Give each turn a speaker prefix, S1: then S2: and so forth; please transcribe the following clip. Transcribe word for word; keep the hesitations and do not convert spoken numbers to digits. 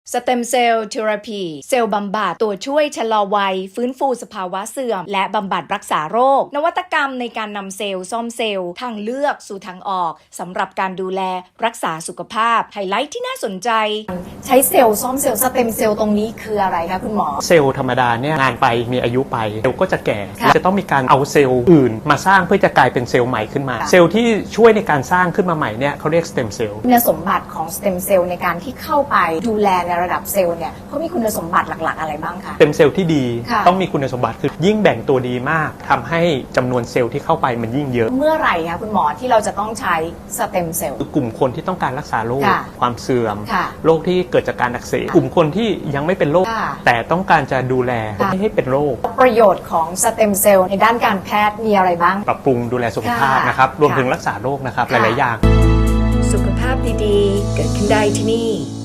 S1: สเต็มเซลล์เทอราพีเซลล์บำบัดตัวช่วยชะลอวัยฟื้นฟูสภาวะเสื่อมและบำบัดรักษาโรคนวัตกรรมในการนำเซลล์ซ่อมเซลล์ทางเลือกสู่ทางออกสำหรับการดูแลรักษาสุขภาพไฮไลท์ที่น่าสนใจใช้เซลล์ซ่อมเซลล์สเต็มเซลล์ตรงนี้คืออะไรคะคุณหมอ
S2: เซลล์ธรรมดาเนี่ยงานไปมีอายุไปเซลล์ก็จะแก่จะต้องมีการเอาเซลล์อื่นมาสร้างเพื่อจะกลายเป็นเซลล์ใหม่ขึ้นมาเซลล์ที่ช่วยในการสร้างขึ้นมาใหม่เนี่ยเขาเรียกสเต็มเซลล์
S1: คุณสมบัติของสเต็มเซลล์ในการที่เข้าไปดูแลในระดับเซลล์เนี่ยเขามีคุณสมบัติหลักๆอะไรบ้างคะ
S2: สเต็มเซลล์ที่ดีต้องมีคุณสมบัติคือยิ่งแบ่งตัวดีมากทำให้จำนวนเซลล์ที่เข้าไปมันยิ่งเยอะ
S1: เมื่อไหร่คะคุณหมอที่เราจะต้องใช้สเต็มเซลล์
S2: กลุ่มคนที่ต้องการรักษาโรคความเสื่อมโรคที่เกิดจากการอักเสบกลุ่มคนที่ยังไม่เป็นโรคแต่ต้องการจะดูแลไม่ให้เป็นโรค
S1: ประโยชน์ของสเต็มเซลล์ในด้านการแพทย์มีอะไรบ้าง
S2: ปรับปรุงดูแลสุขภาพนะครับรวมถึงรักษาโรคนะครับหลายๆอย่าง
S1: สุขภาพดีๆเกิดขึ้นได้ที่นี่